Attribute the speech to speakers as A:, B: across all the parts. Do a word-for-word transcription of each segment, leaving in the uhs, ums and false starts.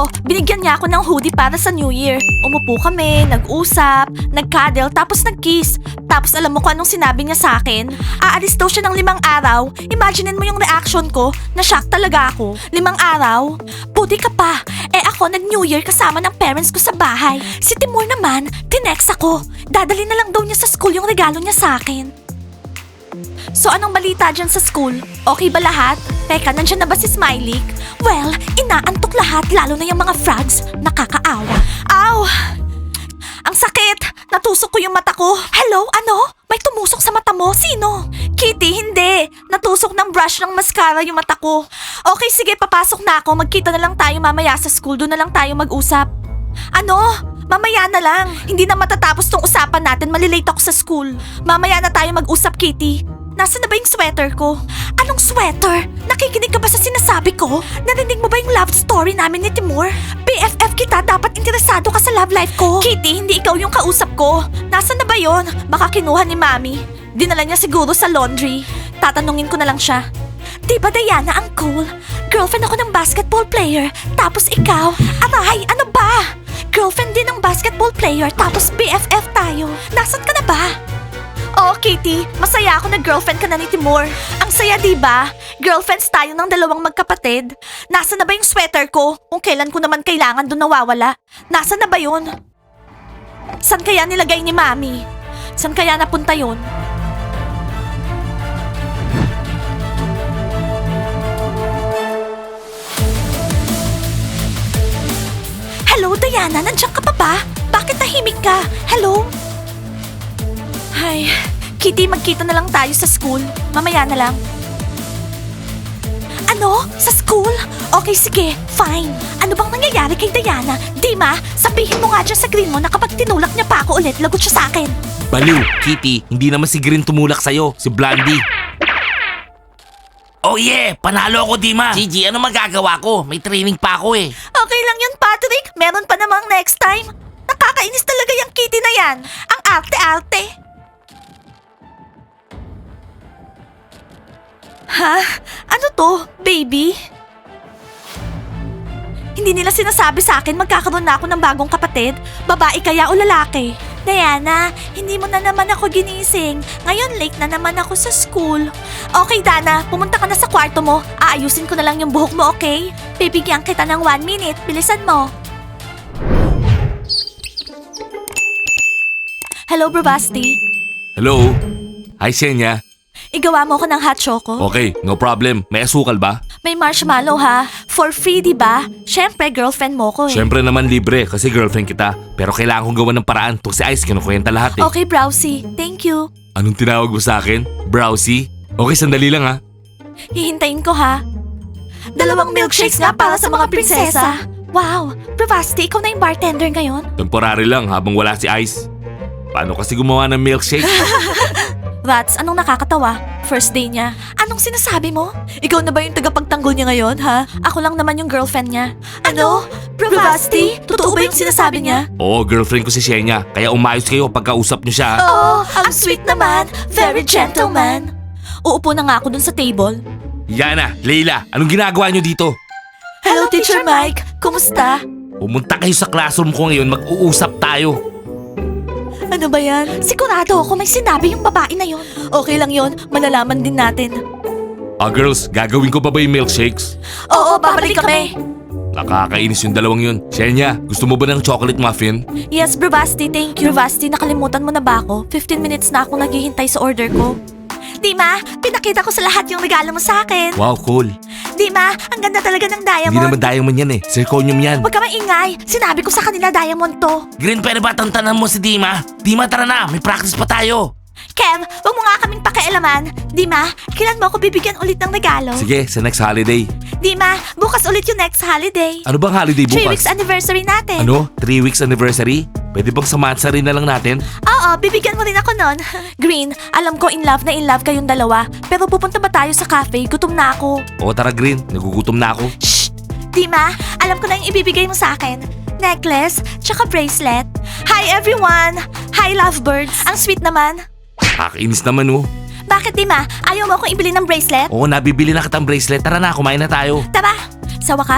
A: Oo, binigyan niya ako ng hoodie para sa New Year. Umupo kami, nag-usap, nag-cuddle, tapos nag-kiss. Tapos alam mo kung anong sinabi niya sa akin? Aalis daw siya ng limang araw. Imaginein mo yung reaction ko. Na-shock talaga ako. Limang araw? Buti ka pa. Eh ako nag-New Year kasama ng parents ko sa bahay. Si Timur naman, tinext ako. Dadali na lang daw niya sa school yung regalo niya sa akin. So anong balita dyan sa school? Okay ba lahat? Teka, nandyan na ba si Smiley? Well, inaantok lahat lalo na yung mga frogs. Nakakaawa. Ow! Ang sakit! Natusok ko yung mata ko. Hello? Ano? May tumusok sa mata mo? Sino? Kitty, hindi. Natusok ng brush ng mascara yung mata ko. Okay, sige, papasok na ako. Magkita na lang tayo mamaya sa school. Doon na lang tayo mag-usap. Ano? Mamaya na lang. Hindi na matatapos tong usapan natin. Malilate ako sa school. Mamaya na tayo mag-usap, Kitty. Nasaan na ba yung sweater ko? Anong sweater? Nakikinig ka ba sa sinasabi ko? Narinig mo ba yung love story namin ni Timur? B F F kita, dapat interesado ka sa love life ko. Kitty, hindi ikaw yung kausap ko. Nasaan na ba yon? Baka kinuha ni Mami. Dinala niya siguro sa laundry. Tatanungin ko na lang siya. Di ba Diana ang cool? Girlfriend ako ng basketball player. Tapos ikaw? Aray, ano ba? Girlfriend din ng basketball player. Tapos B F F tayo. Nasaan ka na ba? Oh, Kitty, masaya ako na girlfriend ka na ni Timur. Ang saya, di ba? Girlfriends tayo ng dalawang magkapatid. Nasaan na ba yung sweater ko? Kung kailan ko naman kailangan doon nawawala. Nasaan na ba yun? San kaya nilagay ni Mami? San kaya napunta yun? Hello, Diana? Nandiyan ka pa ba? Bakit tahimik ka? Hello? Ay, Kitty, magkita na lang tayo sa school. Mamaya na lang. Ano? Sa school? Okay, sige. Fine. Ano bang nangyayari kay Diana? Dima, sabihin mo nga dyan sa Green mo na kapag tinulak niya pa ako ulit, lagot siya sa akin.
B: Baliw, Kitty, hindi naman si Green tumulak sa'yo, si Blondie. Oh yeah, panalo ako, Dima. Gigi, ano magagawa ko? May training pa ako eh.
A: Okay lang yun, Patrick. Meron pa namang next time. Nakakainis talaga yung Kitty na yan. Ang arte-arte. Ha? Ano to, baby? Hindi nila sinasabi sa akin magkakaroon na ako ng bagong kapatid. Babae kaya o lalaki? Diana, hindi mo na naman ako ginising. Ngayon late na naman ako sa school. Okay, Dana, pumunta ka na sa kwarto mo. Aayusin ko na lang yung buhok mo, okay? Bibigyan kita ng one minute. Bilisan mo. Hello, Bravasti.
B: Hello? Hi, Senya.
A: Igawa mo ko ng hot choco.
B: Okay, no problem. May asukal ba?
A: May marshmallow ha. For free, di ba? Siyempre, girlfriend mo ko eh.
B: Siyempre naman libre kasi girlfriend kita. Pero kailangan kong gawa ng paraan. Itong si Ice, kinukwenta lahat eh.
A: Okay, Browsie. Thank you.
B: Anong tinawag mo sa akin? Browsie? Okay, sandali lang ha.
A: Hihintayin ko ha. Dalawang milkshakes nga para sa mga prinsesa. Wow, Bravasti, ikaw na yung bartender ngayon?
B: Temporary lang habang wala si Ice. Paano kasi gumawa ng milkshake?
A: Rats, anong nakakatawa? First day niya. Anong sinasabi mo? Ikaw na ba yung tagapagtanggol niya ngayon, ha? Ako lang naman yung girlfriend niya. Ano? Bravasti? Totoo ba yung sinasabi niya?
B: Oo, girlfriend ko si Shenya. Kaya umayos kayo pagkausap niyo siya.
A: Oh, ang sweet naman. Very gentleman. Uupo na nga ako dun sa table.
B: Yana, Leila, anong ginagawa niyo dito?
A: Hello, Teacher Mike. Kumusta?
B: Pumunta kayo sa classroom ko ngayon, mag-uusap tayo.
A: Ano ba yan? Sigurado ako may sinabi yung babae na yon. Okay lang yon, malalaman din natin.
B: Ah, girls, gagawin ko pa ba yung milkshakes?
A: Oo, babalik kami.
B: Nakakainis yung dalawang yun. Shenya, gusto mo ba ng chocolate muffin?
A: Yes, Bravasti, thank you. Bravasti, nakalimutan mo na ba ako? fifteen minutes na akong naghihintay sa order ko. Dima, pinakita ko sa lahat yung regalo mo sa akin.
B: Wow, cool.
A: Dima, ang ganda talaga ng diamond.
B: Hindi naman diamond yan eh. Zirconium yan.
A: Huwag ka maingay. Sinabi ko sa kanila diamond to.
B: Green, pwede ba tantanan mo si Dima? Dima, tara na. May practice pa tayo.
A: Kev, wag mo nga kaming pakialaman. Dima, kailan mo ako bibigyan ulit ng regalo?
B: Sige, sa next holiday.
A: Dima, bukas ulit yung next holiday.
B: Ano bang holiday bukas?
A: Three weeks anniversary natin.
B: Ano? Three weeks anniversary? Pwede bang samahan rin na lang natin?
A: Oo, bibigyan mo rin ako nun. Green, alam ko in love na in love kayong dalawa. Pero pupunta ba tayo sa cafe? Gutom na ako.
B: Oo, tara Green. Nagugutom na ako.
A: Shh! Dima, alam ko na yung ibibigay mo sa akin. Necklace, tsaka bracelet. Hi everyone! Hi lovebirds! Ang sweet naman.
B: Kakainis naman oh.
A: Bakit Dima? Ayaw mo akong ibili ng bracelet?
B: Oo, nabibili na kitang bracelet. Tara na, kumain na tayo.
A: Tara! Sa wakas,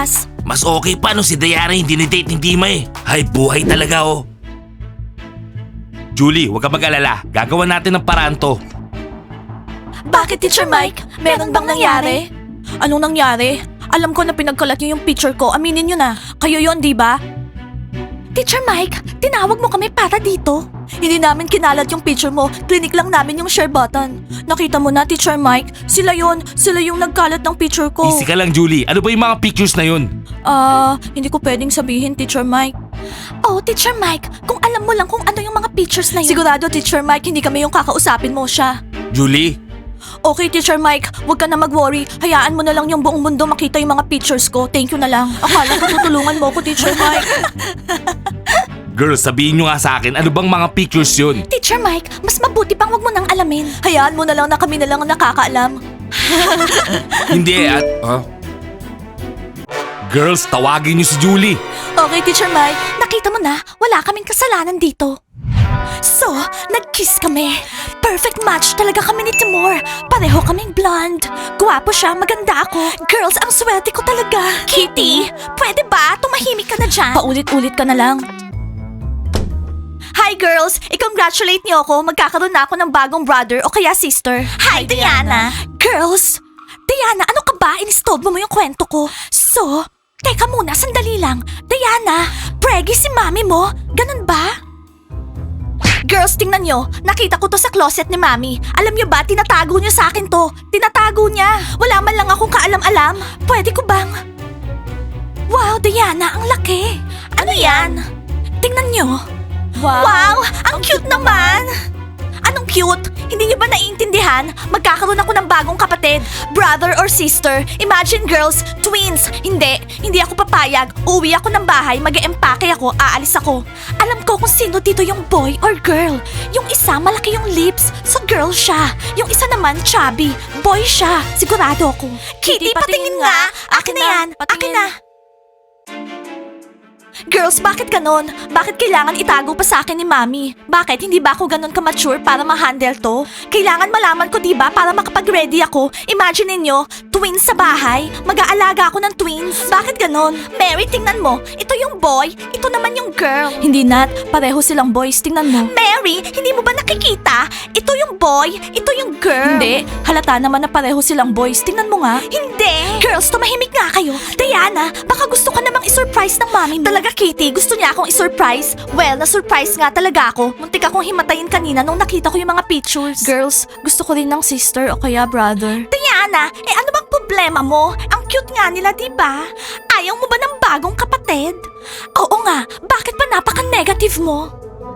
B: Mas okay pa no si Diana yung dinidate ni Dima eh. Hay, buhay talaga oh. Julie, huwag ka mag-alala. Gagawa natin ng paraan to.
A: Bakit, Teacher Mike? Meron bang nangyari? Anong nangyari? Alam ko na pinagkalat niyo yung picture ko. Aminin niyo na. Kayo yon, di ba? Teacher Mike, tinawag mo kami para dito. Hindi namin kinalat yung picture mo. Clinic lang namin yung share button. Nakita mo na, Teacher Mike. Sila yon. Sila yung nagkalat ng picture ko.
B: Easy ka lang, Julie. Ano ba yung mga pictures na yun?
A: Ah, hindi ko pwedeng sabihin, Teacher Mike. Oh, Teacher Mike, kung alam mo lang kung ano yung mga pictures na yun. Sigurado, Teacher Mike, hindi kami yung kakausapin mo siya.
B: Julie?
A: Okay, Teacher Mike, huwag ka na mag-worry. Hayaan mo na lang yung buong mundo makita yung mga pictures ko. Thank you na lang. Akala ko tutulungan mo ko, Teacher Mike.
B: Girls, sabihin nyo nga sa akin, ano bang mga pictures yun?
A: Teacher Mike, mas mabuti pang huwag mo nang alamin. Hayaan mo na lang na kami na lang ang nakakaalam.
B: Hindi at... Huh? Girls, tawagin nyo si Julie.
A: Okay, Teacher Mike, nakita mo na, wala kaming kasalanan dito. So, nag-kiss kami. Perfect match talaga kami ni Timur. Pareho kaming blonde. Guwapo siya, maganda ako. Girls, ang swerte ko talaga. Kitty, pwede ba? Tumahimik ka na dyan. Paulit-ulit ka na lang. Hi girls! I-congratulate niyo ako. Magkakaroon na ako ng bagong brother o kaya sister. Hi, Diana! Girls! Diana, ano ka ba? Inistolbo mo yung kwento ko. So, teka muna, sandali lang. Diana, preggy si mami mo? Ganun ba? Girls, tingnan nyo. Nakita ko to sa closet ni Mami. Alam nyo ba, tinatago niya sa akin to. Tinatago niya. Wala man lang akong kaalam-alam. Pwede ko bang... Wow, Diana, ang laki. Ano yan? Tingnan nyo. Wow, wow ang cute naman. Anong cute? Hindi niyo ba naiintindihan? Magkakaroon ako ng bagong kapatid. Brother or sister. Imagine girls, twins. Hindi, hindi ako papayag. Uwi ako ng bahay, mag-eempake ako, aalis ako. Alam ko kung sino dito yung boy or girl. Yung isa malaki yung lips, so girl siya. Yung isa naman chubby, boy siya. Sigurado ako. Kitty, patingin nga. Akin na yan. Akin na. Girls, bakit ganon? Bakit kailangan itago pa sa akin ni Mami? Bakit? Hindi ba ako ganon ka-mature para ma-handle to? Kailangan malaman ko, diba, para makapag-ready ako. Imagine niyo, twins sa bahay. Mag-aalaga ako ng twins. Bakit ganon? Mary, tingnan mo. Ito yung boy, ito naman yung girl. Hindi, Nat. Pareho silang boys. Tingnan mo. Mary, hindi mo ba nakikita? Ito yung boy, ito yung girl. Hindi. Halata naman na pareho silang boys. Tingnan mo nga. Hindi. Girls, tumahimik nga kayo. Diana, baka gusto ka namang isurprise ng mami mo. Talaga, Kitty, gusto niya akong isurprise? Well, na-surprise nga talaga ako. Muntik akong himatayin kanina nung nakita ko yung mga pictures. Girls, gusto ko rin ng sister o kaya brother. Diana, eh ano bang problema mo? Ang cute nga nila, diba? Ayaw mo ba ng bagong kapatid? Oo nga, bakit pa napaka-negative mo?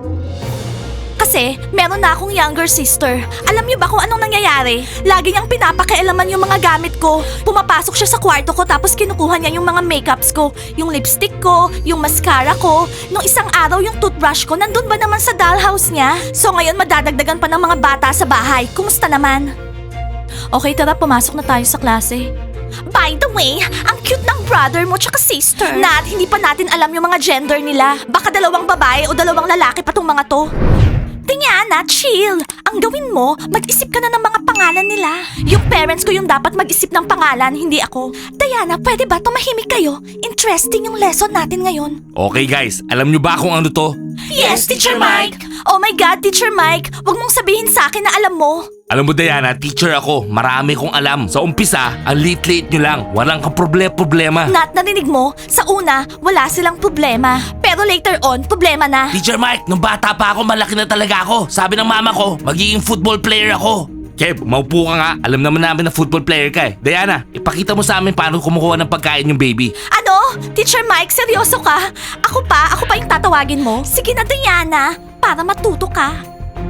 A: Kasi, meron na akong younger sister. Alam niyo ba kung anong nangyayari? Lagi niyang pinapakialaman yung mga gamit ko. Pumapasok siya sa kwarto ko tapos kinukuha niya yung mga makeups ko. Yung lipstick ko, yung mascara ko. Nung isang araw yung toothbrush ko, nandun ba naman sa dollhouse niya? So ngayon madadagdagan pa ng mga bata sa bahay. Kumusta naman? Okay, tara, pumasok na tayo sa klase. By the way, ang cute ng brother mo tsaka sister. Nat, hindi pa natin alam yung mga gender nila. Baka dalawang babae o dalawang lalaki pa tong mga to. Diana, chill. Ang gawin mo, mag-isip ka na ng mga pangalan nila. Yung parents ko yung dapat mag-isip ng pangalan, hindi ako. Diana, pwede ba tumahimik kayo? Interesting yung lesson natin ngayon.
B: Okay guys, alam nyo ba kung ano to?
A: Yes, Teacher Mike. Oh my God, Teacher Mike. Huwag mong sabihin sa akin na alam mo.
B: Alam mo Diana, teacher ako. Marami kong alam. Sa umpisa, ang late-late nyo lang. Walang kang problema-problema.
A: Nat, narinig mo? Sa una, wala silang problema. Pero later on, problema na.
B: Teacher Mike, nung bata pa ako, malaki na talaga ako. Sabi ng mama ko, magiging football player ako. Kev, maupo ka nga. Alam naman namin na football player ka eh. Diana, ipakita mo sa amin paano kumukuha ng pagkain yung baby.
A: Ano? Teacher Mike, seryoso ka? Ako pa? Ako pa yung tatawagin mo? Sige na, Diana. Para matuto ka.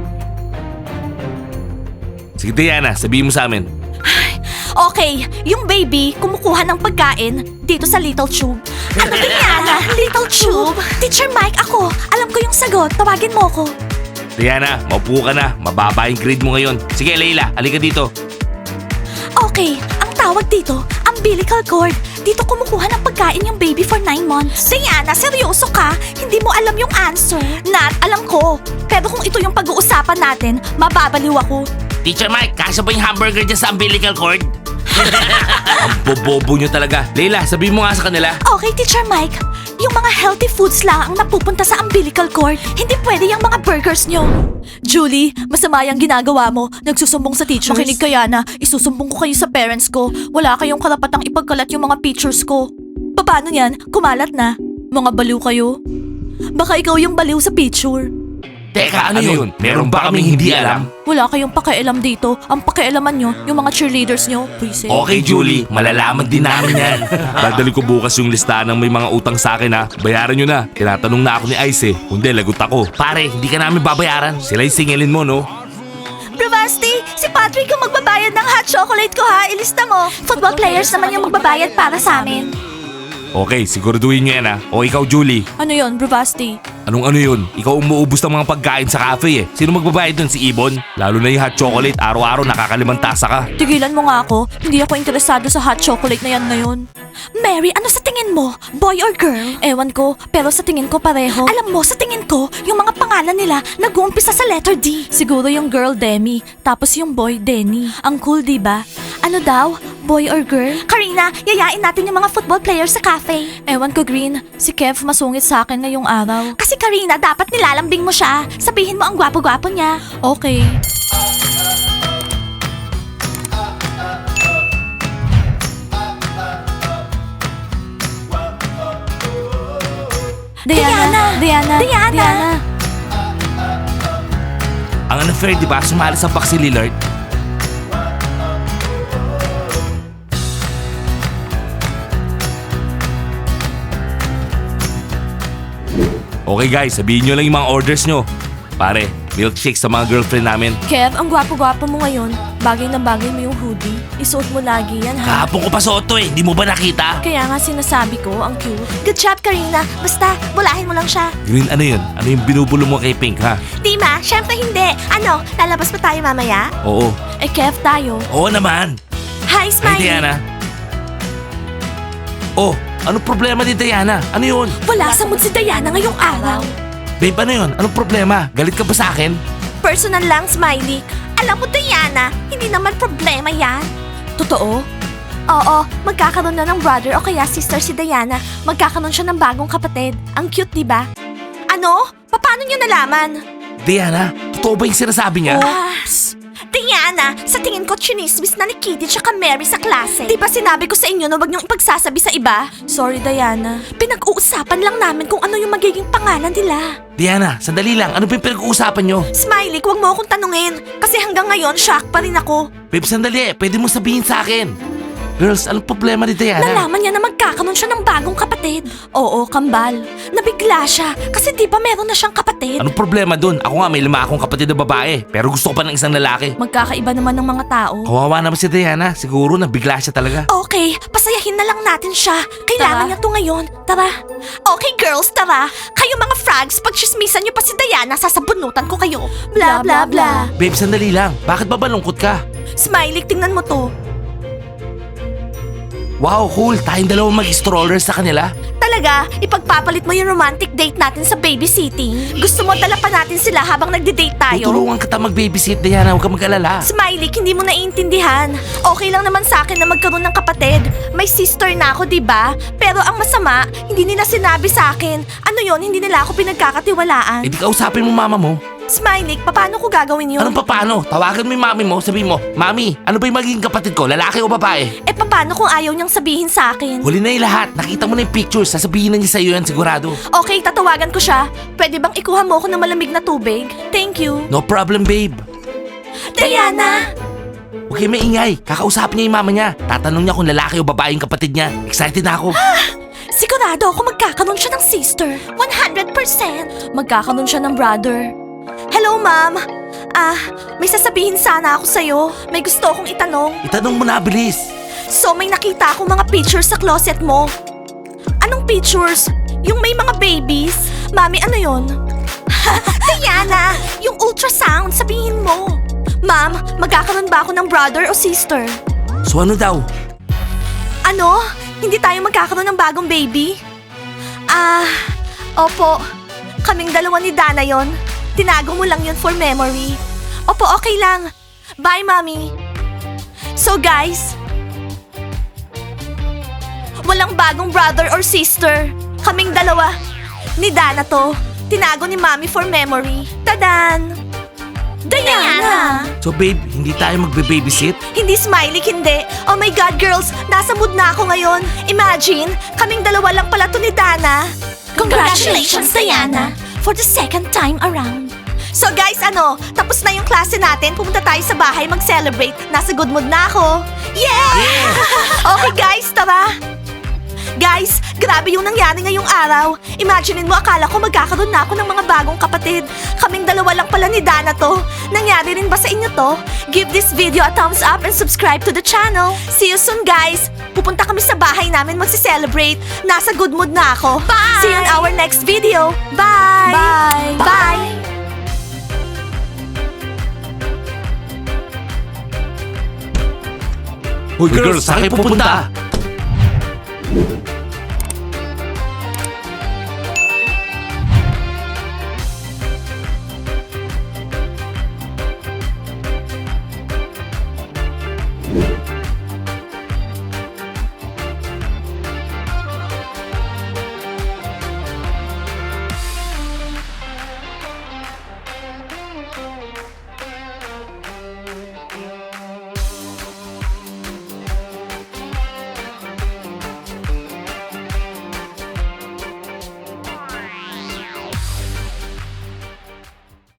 B: Sige Diana, sabihin mo sa amin.
A: Okay, yung baby kumukuha ng pagkain dito sa little tube. Ano Diana? Little tube? Teacher Mike, ako. Alam ko yung sagot. Tawagin mo ko.
B: Diana, maupo ka na. Mababa yung grade mo ngayon. Sige Leila, halika dito.
A: Okay, ang tawag dito, umbilical cord. Dito kumukuha ng pagkain yung baby for nine months. Diana, seryoso ka? Hindi mo alam yung answer? Nat, alam ko. Pero kung ito yung pag-uusapan natin, mababaliw ako.
B: Teacher Mike, kasya ba yung hamburger dyan sa umbilical cord? Ang bobobo nyo talaga. Leila, sabihin mo nga sa kanila.
A: Okay, Teacher Mike. Yung mga healthy foods lang ang napupunta sa umbilical cord. Hindi pwede yung mga burgers nyo. Julie, masama yung ginagawa mo. Nagsusumbong sa teachers. Makinig kaya na, isusumbong ko kayo sa parents ko. Wala kayong karapatang ipagkalat yung mga pictures ko. Paano yan? Kumalat na. Mga baliw kayo. Baka ikaw yung baliw sa picture.
B: Teka, ano, yun? Meron ba kaming hindi alam?
A: Wala kayong pakialam dito. Ang pakialaman nyo, yung mga cheerleaders nyo. Buisit.
B: Okay, Julie. Malalaman din namin yan. Dadali ko bukas yung listahan ng may mga utang sa akin ha. Bayaran nyo na. Tinatanong na ako ni Ice eh. Kundi, lagot ako. Pare, hindi ka namin babayaran. Sila yung singilin mo, no?
A: Bravasti, si Patrick yung magbabayad ng hot chocolate ko ha. Ilista mo. Football players naman yung magbabayad para sa amin.
B: Okay, siguraduhin nyo yan ha. O ikaw, Julie.
A: Ano yon, Bravasti?
B: Anong ano yun? Ikaw umuubos ng mga pagkain sa cafe eh. Sino magbabayad dun? Si Ibon? Lalo na yung hot chocolate. Araw-araw nakakalimang tasa ka.
A: Tigilan mo nga ako. Hindi ako interesado sa hot chocolate na yan ngayon. Mary, ano sa tingin mo? Boy or girl? Ewan ko, pero sa tingin ko pareho. Alam mo, sa tingin ko, yung mga pangalan nila nag-uumpisa sa letter D. Siguro yung girl Demi, tapos yung boy Denny. Ang cool, di ba? Ano daw? Boy or girl? Karina, yayain natin yung mga football players sa cafe. Ewan ko, Green. Si Kev masungit sa akin ngayong araw. Kasi Karina, dapat nilalambing mo siya. Sabihin mo ang gwapo-gwapo niya. Okay. Diana! Diana! Diana!
B: Ang unfair, di ba? Sumali sa box si Lillard. Okay guys, sabihin nyo lang yung mga orders nyo. Pare, milkshake sa mga girlfriend namin.
A: Kev, ang gwapo-gwapo mo ngayon. Bagay na bagay mo yung hoodie. Isuot mo lagi yan, ha?
B: Kahapon ko pa suot to eh, hindi mo ba nakita?
A: Kaya nga sinasabi ko, ang cute. Good job, Karina. Basta, bulahin mo lang siya.
B: Green, ano yun? Ano yung binubulo mo kay Pink ha?
A: Dima, syempre hindi. Ano, lalabas pa tayo mamaya?
B: Oo.
A: Eh, Kev, tayo.
B: Oo naman.
A: Hi,
B: Hey
A: Smiley.
B: Diana. Oh, ano problema ni Diana? Ano yun?
A: Wala sa mood si Diana ngayong araw.
B: Babe, ano yun? Anong problema? Galit ka ba sa akin?
A: Personal lang, Smiley. Alam mo, Diana, hindi naman problema yan. Totoo? Oo, magkakaroon na ng brother o kaya sister si Diana. Magkakaroon siya ng bagong kapatid. Ang cute, di ba? Ano? Paano niyo nalaman?
B: Diana, totoo ba yung sinasabi niya?
A: Ah, psst. Diana, sa tingin ko chinismis na ni Kitty tsaka Mary sa klase. Di ba sinabi ko sa inyo na wag niyong ipagsasabi sa iba? Sorry, Diana. Pinag-uusapan lang namin kung ano yung magiging pangalan nila.
B: Diana, sandali lang. Ano ba yung pinag-uusapan nyo?
A: Smiley, huwag mo akong tanungin. Kasi hanggang ngayon, shock pa rin ako.
B: Babe, sandali. Pwede mo sabihin sa akin. Girls, anong problema ni Diana?
A: Nalaman niya na magkakaroon siya ng bagong kapatid. Oo, kambal. Nabigla siya kasi di ba meron na siyang kapatid?
B: Anong problema dun? Ako nga may lima akong kapatid na babae. Pero gusto ko pa ng isang lalaki.
A: Magkakaiba naman ng mga tao.
B: Kawawa naman si Diana. Siguro nabigla siya talaga.
A: Okay, pasayahin na lang natin siya. Kailangan
C: Tara.
A: niya to ngayon. Tara. Okay, girls, tara. Kayo mga frogs, pag chismisan niyo pa si Diana, sasabunutan ko kayo. Bla, bla, bla.
B: Babe, sandali lang. Bakit ba balungkot ka?
A: Smiley, tingnan mo to.
B: Wow, cool. Tayong dalawang mag-strollers sa kanila.
A: Talaga, ipagpapalit mo yung romantic date natin sa babysitting. Gusto mo dala pa natin sila habang nagde-date tayo?
B: Tutulungan kita mag-babysit, Diana. Huwag ka mag-alala.
A: Smiley, hindi mo naiintindihan. Okay lang naman sa akin na magkaroon ng kapatid. May sister na ako, di ba? Pero ang masama, hindi nila sinabi sa akin. Ano yon? Hindi nila ako pinagkakatiwalaan.
B: Eh di kausapin mo mama mo.
A: Smiley, paano ko gagawin yun?
B: Anong paano? Tawagan mo yung mami mo, sabihin mo, Mami, ano ba yung magiging kapatid ko? Lalaki o babae?
A: Eh, paano kung ayaw niyang sabihin sa akin?
B: Huli na yung lahat. Nakita mo na yung pictures. Sasabihin na niya sa'yo yan, sigurado.
A: Okay, tatawagan ko siya. Pwede bang ikuha mo ako ng malamig na tubig? Thank you.
B: No problem, babe.
A: Diana!
B: Huwag kayo maingay. Kakausapin niya yung mama niya. Tatanong niya kung lalaki o babae yung kapatid niya. Excited na ako.
A: Sigurado ako magkakaroon siya ng sister. one hundred percent. Magkakaroon siya ng brother. Hello, ma'am. Ah, may sasabihin sana ako sa'yo. May gusto akong itanong.
B: Itanong mo na, bilis.
A: So, may nakita akong mga pictures sa closet mo. Anong pictures? Yung may mga babies? Mami, ano yon? Diana, yung ultrasound, sabihin mo. Ma'am, magkakaroon ba ako ng brother o sister?
B: So ano daw?
A: Ano? Hindi tayo magkakaroon ng bagong baby? Ah, opo. Kaming dalawa ni Dana yon. Tinago mo lang yun for memory. Opo, okay lang. Bye, Mommy. So guys, bagong brother or sister. Kaming dalawa. Ni Dana to. Tinago ni Mommy for memory. Tadan! Diana!
B: So babe, hindi tayo magbe-babysit?
A: Hindi Smiley, hindi. Oh my God, girls! Nasa mood na ako ngayon. Imagine, kaming dalawa lang pala to ni Dana. Congratulations, Diana! For the second time around. So guys, ano, tapos na yung klase natin. Pumunta tayo sa bahay mag-celebrate. Nasa good mood na ako. Yeah! Okay guys, tara! Guys, grabe yung nangyari ngayong araw. Imaginein mo, akala ko magkakaroon na ako ng mga bagong kapatid. Kaming dalawa lang pala ni Dana to. Nangyari rin ba sa inyo to? Give this video a thumbs up and subscribe to the channel. See you soon, guys. Pupunta kami sa bahay namin magsi-celebrate. Nasa good mood na ako. Bye! See you in our next video. Bye! Bye! Bye!
B: Hoy girls, saan kayo pupunta?